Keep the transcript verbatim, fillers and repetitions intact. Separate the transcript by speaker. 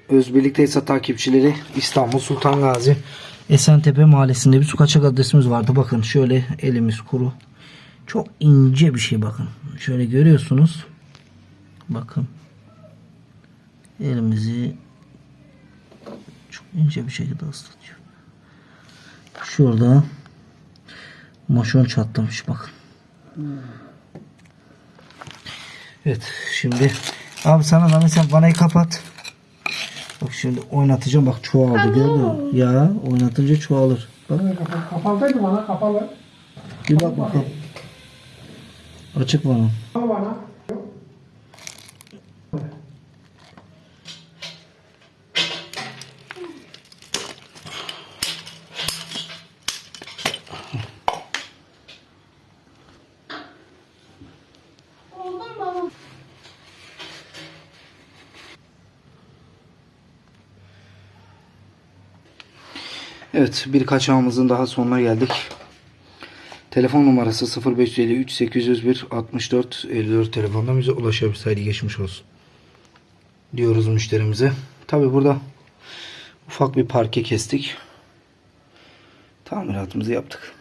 Speaker 1: Özbirlik Tesisat takipçileri, İstanbul Sultan Gazi Esentepe Mahallesi'nde bir su kaçak adresimiz vardı. Bakın şöyle elimiz kuru. Çok ince bir şey bakın. Şöyle görüyorsunuz. Bakın. Elimizi çok ince bir şekilde ıslatıyor. Şurada moşon çatlamış bakın. Evet şimdi abi sana da mesela vanayı kapat. Bak şimdi oynatacağım, bak çoğaldı, gördün mü? Ya oynatınca çoğalır. Bak.
Speaker 2: Kapalıydı bana, kapalı.
Speaker 1: Bir bak bakalım. Açık vana.
Speaker 2: Kapalı bana.
Speaker 1: Evet, bir kaçağımızın daha sonuna geldik. Telefon numarası sıfır beş elli üç sekiz yüz bir altmış dört elli dört telefondan bize ulaşabilirsiniz. Haydi geçmiş olsun diyoruz müşterimize. Tabi burada ufak bir parke kestik. Tamiratımızı yaptık.